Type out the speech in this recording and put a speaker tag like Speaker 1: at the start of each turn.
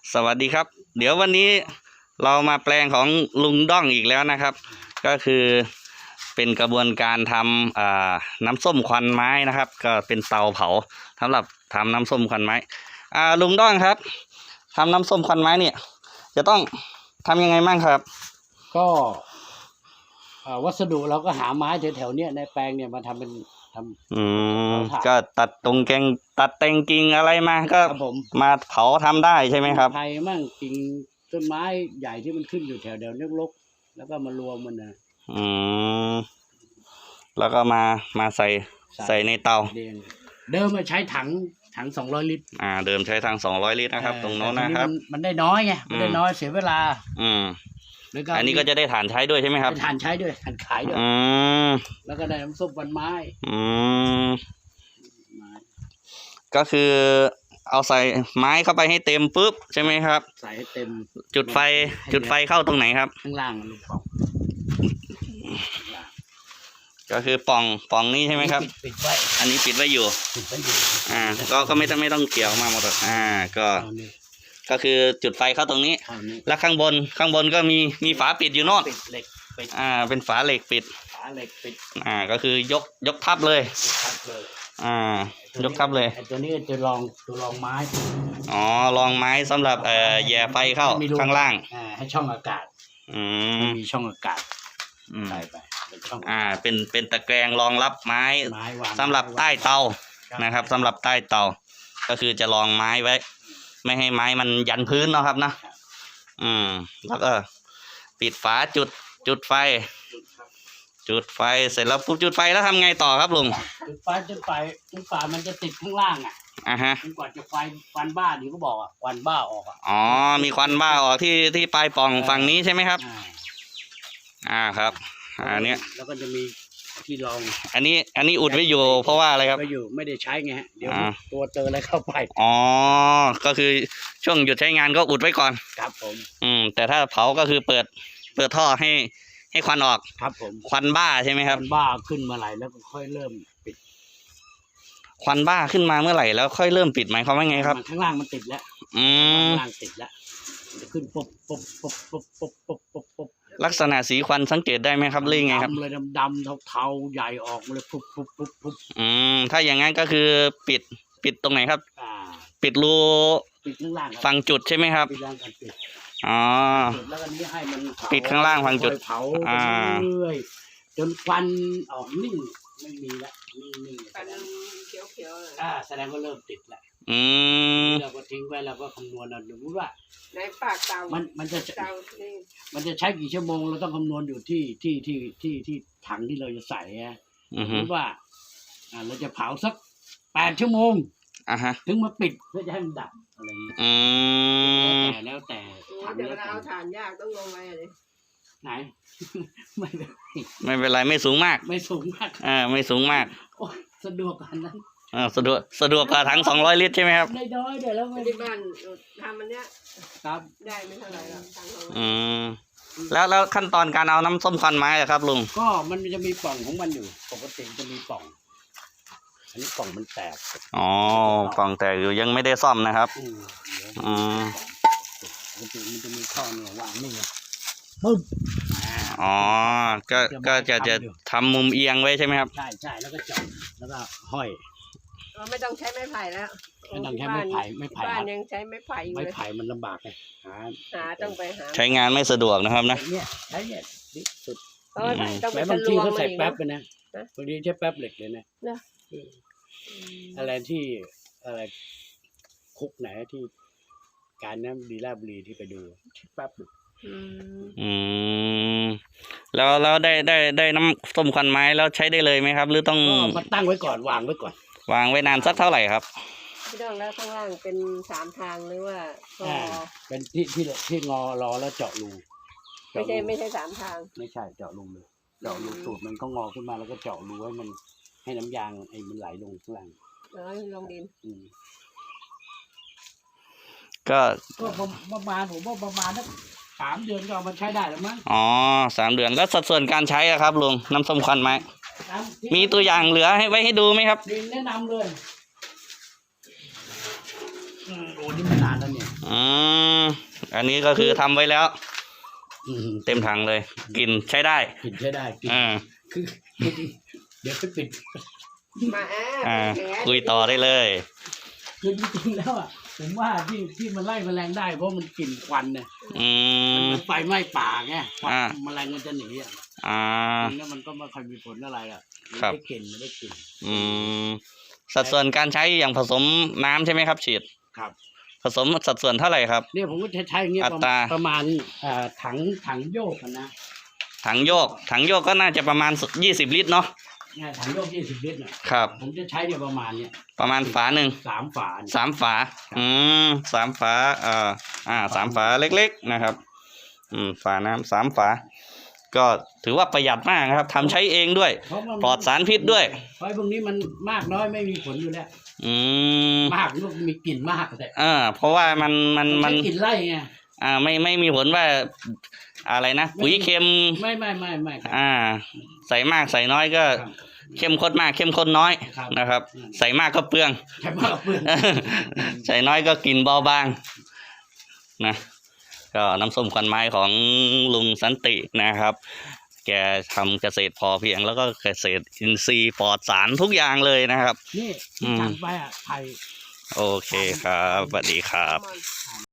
Speaker 1: สวัสดีครับเดี๋ยววันนี้เรามาแปลงของลุงด้องอีกแล้วนะครับก็คือเป็นกระบวนการทำน้ำส้มควันไม้นะครับก็เป็นเตาเผาสำหรับทำน้ำส้มควันไม้ลุงด้องครับทำน้ำส้มควันไม้เนี่ยจะต้องทำยังไงบ้างครับ
Speaker 2: ก็วัสดุเราก็หาไม้แถวๆเนี้ยในแปลงเนี่ยมาทำเป็น
Speaker 1: ก็ตัดตรงแกงตัดแต่งกิ่งอะไรมาก็มาเผาทำได้ใช่ไหมครับ
Speaker 2: ไผ่มั่งกิ่งต้นไม้ใหญ่ที่มันขึ้นอยู่แถวเดียวรกๆแล้วก็มารวมมันนะ
Speaker 1: แล้วก็มาใส่ในเตา
Speaker 2: เดิมใช้ถัง200 ลิตร
Speaker 1: เดิมใช้ถัง200 ลิตรนะครับตรงโน้นนะครับ
Speaker 2: มันได้น้อยไงมันได้น้อยเสียเวลา
Speaker 1: อันนี้ก็จะได้ถ่านใช้ด้วยใช่ไหมครับ
Speaker 2: ถ่านใช้ด้วยถ่านขายด้วยแล้วก็ได้น้ำส้มควันไม้
Speaker 1: ก็คือเอาใส่ไม้เข้าไปให้เต็มปุ๊บใช่ไหมครับ
Speaker 2: ใส่ให้เต็ม
Speaker 1: จุดไฟเข้าตรงไหนครับ
Speaker 2: ข้างล่างลูกป่อง
Speaker 1: ก็คือป่องนี้ใช่ไหมครับ
Speaker 2: ปิดไว้
Speaker 1: อันนี้ปิดไว้อยู่ก็ไม่ต้องเกี่ยวมาหมดก็คือจุดไฟเข้าตรงนี้แล้วข้างบนก็มีฝาปิดอยู่โน่นเป็นฝาเหล็กปิดก็คือยกทับเลยยกทับเลย
Speaker 2: ตัวนี้จะลองไม้
Speaker 1: ลองไม้สำหรับแย่ไฟเข้าข้างล่าง
Speaker 2: ให้ช่องอากาศมีช่องอากาศใส่ไป
Speaker 1: เป็นตะแกรงรองรับไม้สำหรับใต้เตานะครับสำหรับใต้เตาก็คือจะรองไม้ไว้ไม่ให้ไม้มันยันพื้นเนาะครับนะแล้วก็ปิดฝาจุดไฟเสร็จแล้วปุ๊บจุดไฟแล้วทำไงต่อครับลุง
Speaker 2: จุดไฟมันจะติดข้างล่างจนกว่าจะควันบ้าที่เขาบอกควันบ้าออก
Speaker 1: มีควันบ้าออกที่ปลายปล่องฝั่งนี้ใช่ไหมครับครับอันนี้
Speaker 2: แล้วก็จะมีที่รอง
Speaker 1: อันนี้อุดไว้อยู่เพราะว่าอะไรครับ
Speaker 2: ไม่ได้ใช้ไงเดี๋ยวตัวเจออะไรเข้าไป
Speaker 1: ก็คือช่วงหยุดใช้งานก็อุดไว้ก่อน
Speaker 2: ครับผม
Speaker 1: แต่ถ้าเผาก็คือเปิดท่อให้ควันออก
Speaker 2: ครับผม
Speaker 1: ควันบ้าใช่ไหมครับ
Speaker 2: ควันบ้าขึ้นมาไหลแล้วก็ค่อยเริ่มปิด
Speaker 1: ควันบ้าขึ้นมาเมื่อไหร่แล้วค่อยเริ่มปิดหมายความว่าไงครับ
Speaker 2: ข้างล่างมันติดแล้วข้างล่างติดแล้วจะขึ้นปุ๊บ
Speaker 1: ลักษณะสีควันสังเกตได้ไหมครับเรื่องไงครับ
Speaker 2: เลยดำเทาใหญ่ออกเลยปุ๊บ
Speaker 1: ถ้าอย่างนั้นก็คือปิดตรงไหนครับปิดรู
Speaker 2: ข้างล่าง
Speaker 1: ฝั่งจุดใช่ไหมครับ
Speaker 2: ปิดล่างกันปิดแล้วก็นี้ให้มัน
Speaker 1: ปิดข้างล่างฝั่งจุด
Speaker 2: เผาเรื่อยจนควันออกนิ่งไม่มีแล้วนิ่ง
Speaker 3: ควันเขียว
Speaker 2: แสดงว่าเริ่มติดแล้วเราก็ทิ้งไว้เราก็คำนวณเอาดูว่า
Speaker 3: ในปากเตา
Speaker 2: มันจะใช้กี่ชั่วโมงเราต้องคำนวณอยู่ที่ถังที่เราจะใส่สมมติว่าเราจะเผาสัก8 ชั่วโมงถึงมาปิดเพื่อจะให้มันดับอะไรอย่างนี้แล้วแต่
Speaker 3: ถังเดี๋ยวเราเอาถ่านยากต้องลงไปเลย
Speaker 2: ไหน
Speaker 1: ไม่เป็นไรไม่สูงมาก
Speaker 2: ไม่สูง
Speaker 1: มาก
Speaker 2: สะดวกกันนั้น
Speaker 1: สะดวกกว่าถัง200 ลิตรใช่ไหมครับ
Speaker 2: ได้น้อยเดี๋ยวแล้ว
Speaker 3: ที่บ้านทำมันเนี้ย
Speaker 2: ครับ
Speaker 3: ได้ไม่เท่าไหร่หรอก
Speaker 1: แล้วขั้นตอนการเอาน้ำส้มควันไม้ครับลุง
Speaker 2: ก็มันจะมีปล่องของมันอยู่ปกติจะมีปล่องอันนี้ปล่องมันแตก
Speaker 1: ปล่องแตกอยู่ยังไม่ได้ซ่อมนะครับ
Speaker 2: ปกติมันจะมีท่อเนี่ยวางนี่ไงปึ๊บ
Speaker 1: ก็จะทำมุมเอียงไว้ใช่ไหมครับ
Speaker 2: ใช่แล้วก็เจาะแล้วก็ห้อย
Speaker 3: ไม่ต้องใช้ไม้ไผ่แล้ว
Speaker 2: ไม่ต้องใช้ไม้ไผ่
Speaker 3: บ้านยังใช้ไม้ไผ่อยู่
Speaker 2: ไม้ไผ่มันลำบากไง
Speaker 3: ต้องไปหา
Speaker 1: ใช้งานไม่สะดวกนะครับนะ
Speaker 2: เนี่ยใช้เนี่ยที่สุดแต่บางทีเขาใส่แป๊บไปนะบางทีใช้แป๊บเหล็กเลยนะอะไรที่อะไรคุกไหนที่การน้ำดีราบุรีที่ไปดูแป๊บ
Speaker 1: แล้วได้น้ำส้มควันไม้แล้วใช้ได้เลยไหมครับหรือต้อง
Speaker 2: มาตั้งไว้ก่อนวางไว้ก่อน
Speaker 1: วางไว้นานสักเท่าไหร่ครับ
Speaker 3: พี่ต้องแล้วข้างล่างเป็น3 ทางหรือว่า
Speaker 2: เป็นที่งอรอแล้วเจาะรู
Speaker 3: ไม่ใช่3 ทาง
Speaker 2: ไม่ใช่เจาะรูเลยเจาะรูสูตรมันก็งอขึ้นมาแล้วก็เจาะรูให้มันให้น้ำยางมันไหลลงข้างล่าง
Speaker 3: ลงดิน
Speaker 1: ก็
Speaker 2: ประมาณผมว่าประมาณ3 เดือนก็เอามาใช้ได้แล้วมั้ง
Speaker 1: 3 เดือนแล้วสัดส่วนการใช้ครับลุงน้ำส้มควันไม้มีตัวอย่างเหลือให้ดูไหมครับ
Speaker 2: แนะนำเลยโอ้นี่มันนานแล้วเนี่ย
Speaker 1: อันนี้ก็คือทำไว้แล้ว
Speaker 2: อืม
Speaker 1: เต็มถังเลยกินใช้ได้
Speaker 2: กินใช้ได้กิน
Speaker 1: อ่า
Speaker 2: คือเดี๋ยวไปปิด
Speaker 3: มาแอ
Speaker 1: อ่า
Speaker 3: บแผล
Speaker 1: คุยต่อได้เลย
Speaker 2: คือจริงๆแล้วอ่ะผมว่าที่มันไล่แมลงได้เพราะมันกลิ่นควันเนี่ย
Speaker 1: อืม
Speaker 2: มันไฟไหม้ป่าไงควัน
Speaker 1: อ่า
Speaker 2: แมลงมันจะหนีอ่ะ
Speaker 1: อ่า
Speaker 2: จริงๆแล้วมันก็ไม่ค่อยมีผลอะไรอ่ะไม่
Speaker 1: ครับ
Speaker 2: ได้กลิ่นไม่ได้กลิ่น
Speaker 1: อืมสัดส่วนการใช้อย่างผสมน้ำใช่ไหมครับฉีด
Speaker 2: ครับ
Speaker 1: ผสมสัดส่วนเท่าไหร่ครับ
Speaker 2: เนี่ยผมก็ใช้อย่างเงี้ย
Speaker 1: อัตรา
Speaker 2: ประมาณถังโยกอะนะ
Speaker 1: ถังโยกก็น่าจะประมาณ20 ลิตรเนาะ
Speaker 2: เนี่ยถังโยก20 ลิตรเนี่ย
Speaker 1: ครับ
Speaker 2: ผมจะใช้เนี่ยประมาณเนี่ย
Speaker 1: ประมาณฝาหนึ่ง
Speaker 2: 3 ฝาเนี่ย
Speaker 1: 3 ฝา อืม3 ฝา3 ฝาเล็กๆนะครับ ฝาน้ำ3 ฝา ก็ถือว่าประหยัดมากนะครับทำใช้เองด้วย
Speaker 2: เพราะมัน
Speaker 1: ปลอดสารพิษด้วย
Speaker 2: เพราะพวกนี้มันมากน้อยไม่มีผลอยู่แล้ว
Speaker 1: อืม
Speaker 2: มากลูกมีกลิ่นมากแต่
Speaker 1: เพราะว่ามัน
Speaker 2: ใช้กลิ่นไล่ไง
Speaker 1: ไม่มีผลว่าอะไรนะปุ๋ยเค็ม
Speaker 2: ไม่ครับ
Speaker 1: ใส่มากใส่น้อยก็
Speaker 2: ครับ
Speaker 1: เข้มข้นมากเข้มข้นน้อย
Speaker 2: ครับ
Speaker 1: นะครับ ใส่มากก็เปลือง
Speaker 2: ใช่มากเพื่อน
Speaker 1: ใส่น้อยก็กินเบาบางนะก็น้ำส้มควันไม้ของลุงสันตินะครับ แกทำเกษตรพอเพียงแล้วก็เกษตรอินทรีย์ปลอดสารทุกอย่างเลยนะครับ
Speaker 2: นี่
Speaker 1: อืม
Speaker 2: ทำไปอ่ะไผ่
Speaker 1: โอเคครับสวัสดีครับ
Speaker 3: มัน